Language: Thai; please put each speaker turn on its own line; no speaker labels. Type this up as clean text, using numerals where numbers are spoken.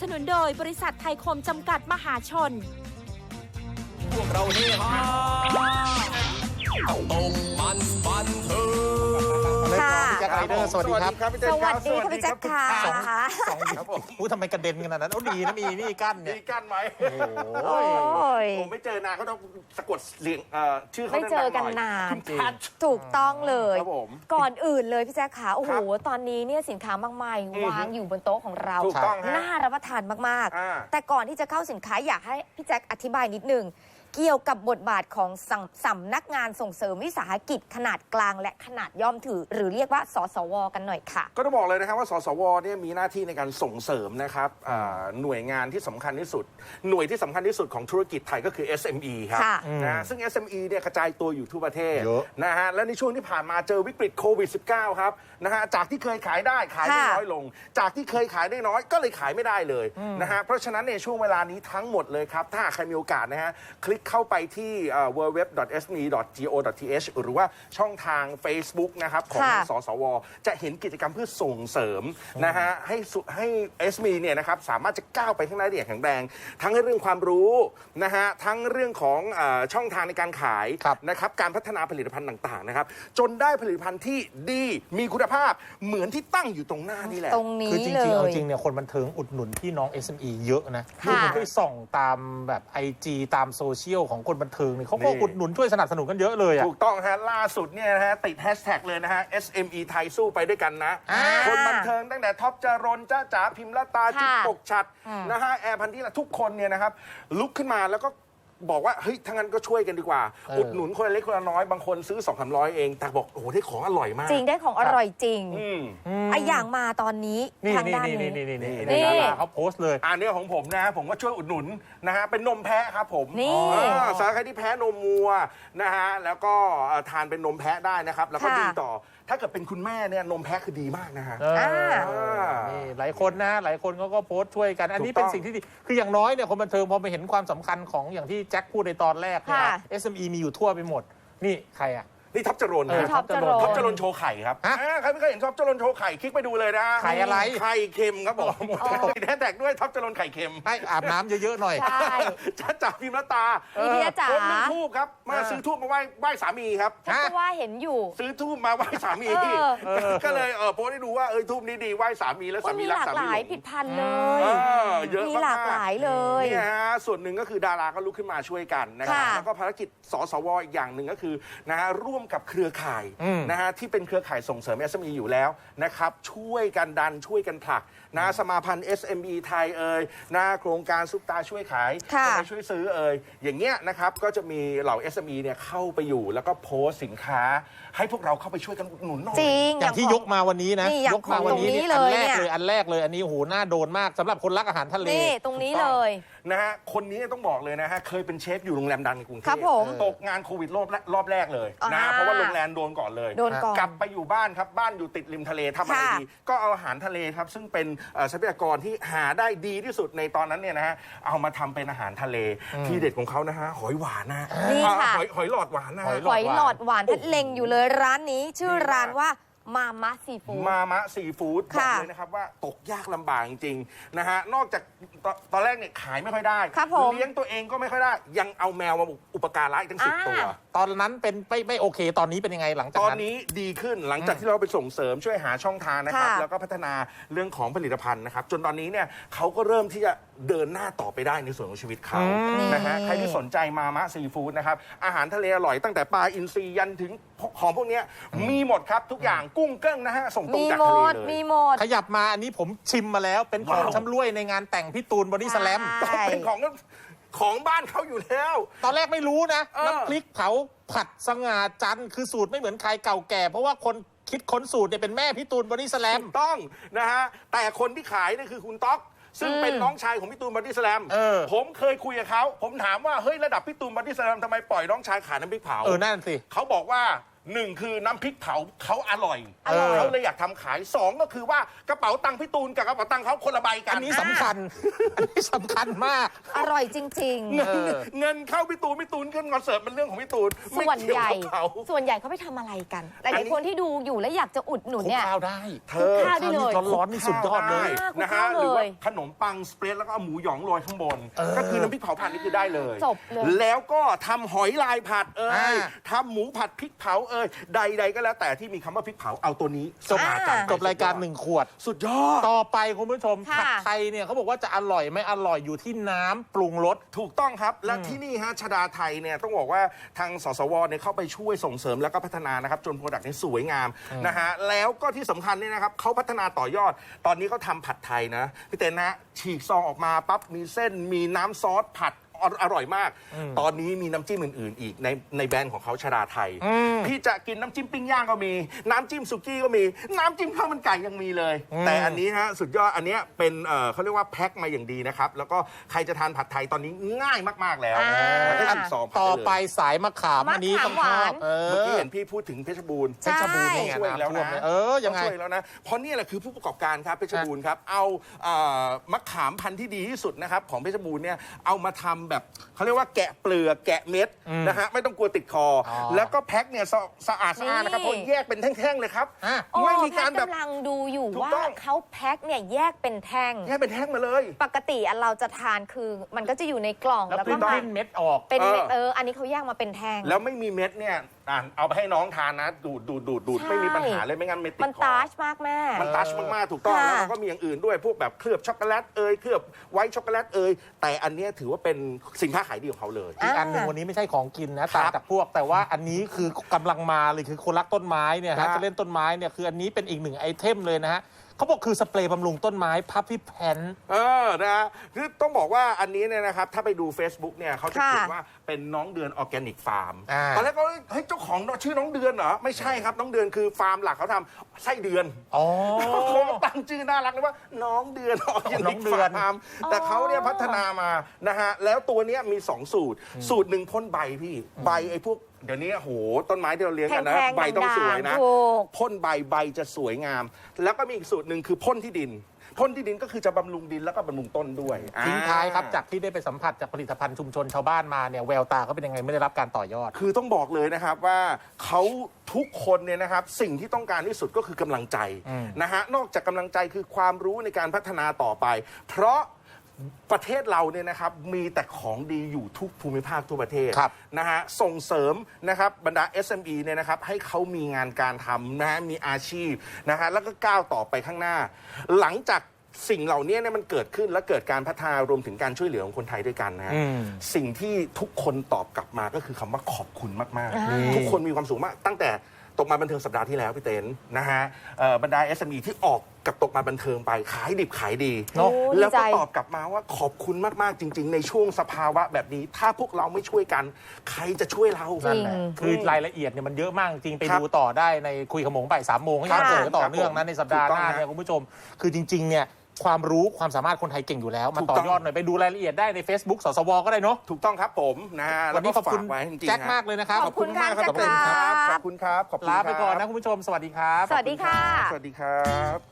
สนุนโดยบริษัทไทยคมจำกัดมหาชน
พวกเราเฮฮาตรงมันบันเทิง
ค่ะ
พี่แจ็คไรเดอร์สวัสดีครับ
สวัสดีค่ะพี่แจ็คค่ะ
สองครับผมทำไมกระเด็นขนาดนั้นโอ้ดีนะมีนี่กั้นเนี่ย
มีกั้นไหม
โอ้
โอ้ย
ผมไม่เจอนานเขาต้องสะกดเสียงชื่อเขา
ไม่เจอกันนาน
คุณพัช
ถูกต้องเลย
ครับผม
ก่อนอื่นเลยพี่แจ๊คขาโอ้โห
ครับ
ตอนนี้เนี่ยสินค้ามากมายวางอยู่บนโต๊ะของเรา
ถูกต้องฮะ
น่ารับประทานมาก
อ่า
ๆ แต่ก่อนที่จะเข้าสินค้าอยากให้พี่แจ๊คอธิบายนิดนึงเกี่ยวกับบทบาทของสำนักงานส่งเสริมวิสาหกิจขนาดกลางและขนาดย่อมถือ หรือเรียกว่าสสวกันหน่อยค่ะ
ก็ต้องบอกเลยนะครับว่าสสวเนี่ยมีหน้าที่ในการส่งเสริมนะครับหน่วยงานที่สำคัญที่สุด หน่วยที่สำคัญที่สุดของธุรกิจไทยก็คือ SME ครับ
ค่ะ
นะซึ่ง SME เนี่ยกระจายตัวอยู่ทั่วประเทศ
เยอะ
นะฮะและในช่วงที่ผ่านมาเจอวิกฤตโควิด -19 ครับนะฮะจากที่เคยขายได้ขายได้
ค่ะ
น้อยลง จากที่เคยขายได้น้อยก็เลยขายไม่ได้เลยนะฮะเพราะฉะนั้นในช่วงเวลานี้ทั้งหมดเลยครับถ้าใครมีโอกาสนะฮะคลิกเข้าไปที่www.sme.go.th หรือว่าช่องทาง Facebook นะครับของ
ค่ะ
สสว จะเห็นกิจกรรมเพื่อส่งเสริมนะฮะให้ SME เนี่ยนะครับสามารถจะก้าวไปข้างหน้าได้อย่างแข็งแรง ทั้งเรื่องความรู้นะฮะทั้งเรื่องของช่องทางในการขาย
ครับ
นะครับการพัฒนาผลิตภัณฑ์ต่างๆนะครับจนได้ผลิตภัณฑ์ที่ดีมีคุณภาพเหมือนที่ตั้งอยู่ตรงหน้านี่แหละ
ตรงนี้
คือจ
เล
ริงๆเอา
ย
จริงเนี่ยคนบันเทิงอุดหนุนพี่น้อง SME เยอะนะ
ค่ะ
ผมไปส่องตามแบบ IG ตามโซเชียลของคนบันเทิงเนี่ยเขาก็
นี่
อุดหนุนช่วยสนับสนุนกันเยอะเลยอ่ะ
ถูกต้องฮะล่าสุดเนี่ยนะฮะติดแฮชแท็กเลยนะฮะ SME ไทยสู้ไปด้วยกันนะ
อ่า
คนบันเทิงตั้งแต่ท็อปจรนจ้าจ๋าพิมพ์ละตาจิ๊บ
ค่ะ
ปกฉัดนะฮะแอร์พันธิละทุกคนเนี่ยนะครับลุกขึ้นมาแล้วก็บอกว่าเฮ้ยทั้างนั้นก็ช่วยกันดีกว่า อุดหนุนคนละเล็กคนละน้อยบางคนซื้อ 200-300 เองแต่บอกโอ้โหได้ของอร่อยมาก
จริงได้ของอร่อยจริง
อืม
ไอะอย่างมาตอนนี้
นี่
ทาง
นี่
ด้าน
นี่
นี้
นี่นี่
นี่
นี่ดาราเขาโพสต์เลย
อันนี้ของผมนะฮะผมก็ช่วยอุดหนุนนะฮะเป็นนมแพะครับผม
นี่
สำหรับใครที่แพ้นมวัวนะฮะแล้วก็ทานเป็นนมแพะได้นะครับแล้วก็
ค่ะ
ดีต่อถ้าเกิดเป็นคุณแม่เนี่ยนมแพะคือดีมากนะฮะ
นี่หลายคนนะหลายคนเขาก็โพสต์ช่วยกัน อันนี้
ถูกต้
เป็
อน ง
สิ่งที่ดี คืออย่างน้อยเนี่ยคนบันเทิงพอไปเห็นความสำคัญของอย่างที่แจ็คพูดในตอนแรกเนี่ย
ค่ะ
SME มีอยู่ทั่วไปหมด นี่ใครอ่ะ
นี่ท็อปจรน
เออ
นะ
ท็อปจรน
ท็อปจรนโชว์ไข่ครับ
ฮะ
ใครไม่เคยเห็นท็อปจรนโชว์ไข่คลิกไปดูเลยนะ
ไข่อะไร
ไข่เค็มครับผมติดแฮชแท็กด้วยท็อปจรนไข่เค็ม
ให้อาบน้ำเยอะๆหน่อย
ใช่
จ้าจ๋าพิมพ์ละตา
พี่เดียจ๋า
คนมีทูบครับมาซื้อทูบมาไหว้สามีครับ
ฉันก็ว่าเห็นอยู่
ซื้อทูบมาไหว้สามี ก็เลยโพสต์ให้ดูว่าทูบนี้ดีไหว้สามีแล้วสามี
มี
รั
ห
ก
ลาก
สา
ห
มี
ลาย
หลง
ผิดพันธุ์เลย
เยอะ
มี
มาก
หลากหลายเลย
เนี่ยฮะส่วนหนึ่งก็คือดาราก็ลุกขึ้นมาช่วยกันนะครับ
ค่ะ
แล้วก็ภารกิจสสวอีกอย่างหนึ่งก็คือนะฮะร่วมกับเครือข่ายนะฮะที่เป็นเครือข่ายส่งเสริม SME อยู่แล้วนะครับช่วยกันดันช่วยกันผลักนะสมาพันธ์ SME ไทยนะโครงการซุปตาช่วยขาย
ค่ะ
คนไทยช่วยซื้ออย่างเงี้ยนะครับก็จะมีเหล่า SME เนี่ยเข้าไปอยู่แล้วก็โพสต์สินค้า ให้พวกเราเข้าไปช่วยกันอุดหนุนหน่อย
จริง
อย่างที่ยกมาวันนี้นะ
นี่อย่าง
ยกมาวันนี้
ของตรงนี้
นี่
เล
อัน
ย
แรก
เนี่ย
เลยอันแรกเลยอันนี้โอ้โหน่าโดนมากสำหรับคนรักอาหารทะเล
นี่ตรงนี้เลย
นะฮะคนนี้ต้องบอกเลยนะฮะเคยเป็นเชฟอยู่โรงแรมดังในกรุงเทพ
ครับผม
ตกงานโควิดรอบแรกเลยนะ
อ่า
เพราะว่าโรงแรมโดนก่อนเลย
โดนก่อน
กลับไปอยู่บ้านครับบ้านอยู่ติดริมทะเลทำอะไร
ค่ะ
ดีก็เอาอาหารทะเลครับซึ่งเป็นทรัพยากรที่หาได้ดีที่สุดในตอนนั้นเนี่ยนะฮะเอามาทำเป็นอาหารทะเลที่เด็ดของเขานะฮะหอยหวานนะ
นี่ค่ะ
หอยหลอดหวานนะ
หอย
หอยหลอดหวานทัดเล็งอยู่เลยร้านนี้ ชื่อร้านว่ามามะซีฟู้ด
มามะซีฟู้ดบอก
ค่ะ
เลยนะครับว่าตกยากลำบากจริงๆนะฮะนอกจากตอนแรกเนี่ยขายไม่ค่อยได้
ครับผม
เลี้ยงตัวเองก็ไม่ค่อยได้ ยังเอาแมวมาอุปการะอีกตั้ง10 ตัว
ตอนนั้นเป็นไม่โอเค ตอนนี้เป็นยังไงหลังจาก
ตอน
นั้น
นี้ดีขึ้นหลังจากที่เราไปส่งเสริมช่วยหาช่องทางนะครับ
ค่ะ
แล้วก็พัฒนาเรื่องของผลิตภัณฑ์นะครับจนตอนนี้เนี่ยเขาก็เริ่มที่จะเดินหน้าต่อไปได้ในส่วนของชีวิตเขานะฮะใครที่สนใจมามะซีฟู้ดนะครับอาหารทะเลอร่อยตั้งแต่ปลาอินทรียันถึงของพวกเนี้ยมีหมดครับทุกอย่างกุ้งเกิ้งนะฮะส่งตรง
มี
จาก
หม
ทะเล
ด
เลย
มีหมด
ขยับมาอันนี้ผมชิมมาแล้วเป็นของ
ว้าว
ชำร่วยในงานแต่งพี่ตูนบอดี้สแลม
ใช่
เป็นของบ้านเขาอยู่แล้ว
ตอนแรกไม่รู้นะ
เออ
น้ำพริกเผาผัดสง่าจันทร์คือสูตรไม่เหมือนใครเก่าแก่ เพราะว่าคนคิดค้นสูตรเนี่ยเป็นแม่พี่ตูนบอดี้สแลม
ถูกต้องนะฮะแต่คนที่ขายเนี่ยคือคุณต๊อก ซึ่งเป็นน้องชายของพี่ตูนบอดี้สแลม ผมเคยคุยกับเขาผมถามว่าเฮ้ยระดับพี่ตูนบอดี้สแลมทำไมปล่อยน้องชายขายน้ำพริกเผา
นั่นสิ
เขาบอกว่า 1 คือน้ำพริกเผาเขาอร่อย
อร่อย
เขาเลยอยากทำขาย 2 ก็คือว่ากระเป๋าตังค์พี่ตูนกับกระเป๋าตังค์เขาคนละใบกัน
อันนี้สำคัญ อันนี้สำคัญมาก
อร่อยจริง
เงินเข้าพี่ตูนขึ้นคอนเสิร์ตเป็นเรื่องของพี่ตูน
ๆ
ไม่
ส่วน
เกี่ยว
ใหญ่
กับเขา
ส่วนใหญ่เขาไปทำอะไรกันหลายๆคนที่ดูอยู่แล้วอยากจะอุดหนุน
คลุก
เนี่ย
ข้าวได้
เธ
คลุก
อ
ข้าวได้เลย
ร้อนๆนี่สุดยอดเลย
นะฮะ
คลุกข้าวเลย
หรือว่าขนมปังสเปรดแล้วก็เอาหมูหยองโรยข้างบน ก็คือน้ำพริกเผาผัดนี่คือได้เลย
จบเลย
แล้วก็ทำหอยลายผัด
อ่
ย
า
ทำหมูผัดพริกเผาใดๆก็แล้วแต่ที่มีคำว่าพริกเผาเอาตัวนี้
จบ
อ่า
จบรายการ1 ขวด
สุดยอด
ต่อไปคุณผู้ชม
ค่ะ
ผัดไทยเนี่ยเขาบอกว่าจะอร่อยไม่อร่อยอยู่ที่น้ำปรุงรส
ถูกต้องครับ และที่นี่ฮะชดาไทยเนี่ยต้องบอกว่าทางสสวเนี่ยเข้าไปช่วยส่งเสริมแล้วก็พัฒนานะครับจนโปรดักต์นี้สวยงามนะฮะแล้วก็ที่สำคัญเนี่ยนะครับเขาพัฒนาต่อยอด ตอนนี้เขาทำผัดไทยนะพี่เต้นนะฉีกซองออกมาปั๊บมีเส้นมีน้ำซอสผัดอร่อยมาก ตอนนี้มีน้ำจิ้มอื่นๆ อีกในแบรนด์ของเขาชดาไทยพี่จะกินน้ำจิ้มปิ้งย่างก็มีน้ำจิ้มสุกี้ก็มีน้ำจิ้มข้าวมันไก่ยังมีเลย แต่อันนี้ฮะสุดยอดอันเนี้ยเป็นเขาเรียกว่าแพ็คมาอย่างดีนะครับแล้วก็ใครจะทานผัดไทยตอนนี้ง่ายมากๆแล้ว
อ่า
แค่ซองผัด
ต่อ
ด้เลย
ไปสายมะขาม
มะขาม
อันนี้ต้องชอบ
หวาน
เมื่อกี้เห็นพี่พูดถึงเพชรบูรณ์
ใช่
เพชรบูรณ์นี่ไง
ช่วยแล้ว
น้ำท่วม
นะ
เลยยังไง
ช่วยแล้วนะเพราะนี่แหละคือผู้ประกอบการครับเพชรบูรณ์ครับเอามะขามพันธุ์ที่ดีที่สุดนะครับของเพชรบูรณ์เนี่ยเอามาทำแบบเขาเรียกว่าแกะเปลือกแกะเม็ดนะฮะไม่ต้องกลัวติดคออ
อ
แล้วก็แพ็คเนี่ยสะอาดนะครับเพราะแยกเป็นแท่งๆเลยครับ
อ่ะ
ไม่มีการแบบ
กำลังดูอยู่
ถูก
ว่า
ต้อง
เขาแพ็คเนี่ยแยกเป็นแท่ง
แยกเป็นแท่งมาเลย
ปกติอันเราจะทานคือมันก็จะอยู่ในกล่อง
แล้ว
แล้ว
ปริ้
ก็
น
มา
เม็ดออก
เป็นเม็ดอันนี้เขาแยกมาเป็นแท่ง
แล้วไม่มีเม็ดเนี่ยเอาไปให้น้องทานนะดูด
ใช่
ไม่มีปัญหาเลยไม่งั้นเม็ดติดคอ
มันตาชมากแม่
มันตัชมากๆถูกต้อง
ค่ะ
แล้วมันก็มีอย่างอื่นด้วยพวกแบบเคลือบช็อกโกแลตเคลือบไวท์ช็อกโกแลตแต่อันเนี้ยถือว่าเป็นสินค้าขายดีของเขาเลย
อีกอันหนึ่งวันนี้ไม่ใช่ของกินนะต่างจากพวกแต่ว่าอันนี้คือกำลังมาเลยคือคนรักต้นไม้เนี่ย
ครั
ฮะ
บ
จะเล่นต้นไม้เนี่ยคืออันนี้เป็นอีกหนึ่งไอเทมเลยนะฮะเขาบอกคือสเปรย์บำรุงต้นไม้พับพี่แพน
นะฮะคือต้องบอกว่าอันนี้เนี่ยนะครับถ้าไปดู Facebook เนี่ยเขาจะ
ค่ะ
เขียนว่าเป็นน้องเดือนออร์แกนิกฟาร์ม
อ่า
ตอนแรกก็เฮ้ยเจ้าของชื่อน้องเดือนเหรอไม่ใช่ครับน้องเดือนคือฟาร์มหลักเขาทำไส้เดือน
อ๋อ
เขาตั้งชื่อน่ารักเลยว่าน้องเดือนออร์แก
น้
นิ
อก งเดือน
ฟาร์มแต่เขาเนี่ยพัฒนามานะฮะแล้วตัวเนี้ยมี 2 สูตร สูตรหนึ่งพ่นใบพี่ใบไอ้พวกเดี๋ยวนี้โหต้นไม้ที่เราเลี้ยงกันนะ
แพงๆ
ใบต้องสวยนะ
ถูก
พ่นใบจะสวยงาม แล้วก็มีอีกสูตรหนึ่งคือพ่นที่ดินพ่นที่ดินก็คือจะบำรุงดินแล้วก็บำรุงต้นด้วย
ทิ้งท้ายครับจากที่ได้ไปสัมผัสจากผลิตภัณฑ์ชุมชนชาวบ้านมาเนี่ยแววตาเขาเป็นยังไงไม่ได้รับการต่อยอด
คือต้องบอกเลยนะครับว่าเขาทุกคนเนี่ยนะครับสิ่งที่ต้องการที่สุดก็คือกำลังใจนะฮะนอกจากกำลังใจคือความรู้ในการพัฒนาต่อไป เพราะประเทศเราเนี่ยนะครับมีแต่ของดีอยู่ทุกภูมิภาคทั่วประเทศ
ครับ
นะฮะส่งเสริมนะครับบรรดา SME เนี่ยนะครับให้เขามีงานการทำนะฮะมีอาชีพนะฮะแล้วก็ก้าวต่อไปข้างหน้า หลังจากสิ่งเหล่านี้เนี่ยมันเกิดขึ้นและเกิดการพัฒนารวมถึงการช่วยเหลือของคนไทยด้วยกันนะฮะสิ่งที่ทุกคนตอบกลับมาก็คือคำว่าขอบคุณมากๆ ทุกคนมีความสุขมากตั้งแต่ตกมาบันเทิงสัปดาห์ที่แล้วพี่เต้นนะฮะบรรดา SME ที่ออกกับตกมาบันเทิงไปขายดิบขายดี
เนอะ
แล้วก็
ดีใจ
ตอบกลับมาว่าขอบคุณมากๆจริง ๆ ในช่วงสภาวะแบบนี้ ถ้าพวกเราไม่ช่วยกัน ใครจะช่วยเรา
จริง
คือรายละเอียดเนี่ยมันเยอะมากจริงไป
ครับ
ดูต่อได้ในคุยขโมงบ่าย3 โมงให้
ค่ะ
เจอต่อเนื่องนะในสัปดาห์หน้า
ถูกต้อง
เนี่ยคุณผู้ชม คือจริงๆเนี่ยความรู้ความสามารถคนไทยเก่งอยู่แล้วมา
ถูก
ต่
ต้
อ
อง
ยอดหน่อยไปดูรายละเอียดได้ใน Facebook สสวก็ได้เนาะ
ถูกต้องครับผมนะฮะ
วันนี้ขอบคุณ
ฝากไว้จริงๆ
แจ็ค
ฮะ
มากเลยนะครับ
ขอบคุณค่ะ
ขอบคุณมากครับ
แจ็คครับ
ขอบคุณครับขอบคุณ
ลา
ครับ
ไปก่อนนะคุณผู้ชมสวัสดีครับ
สวัสดีค่ะ
สวัสดีครับ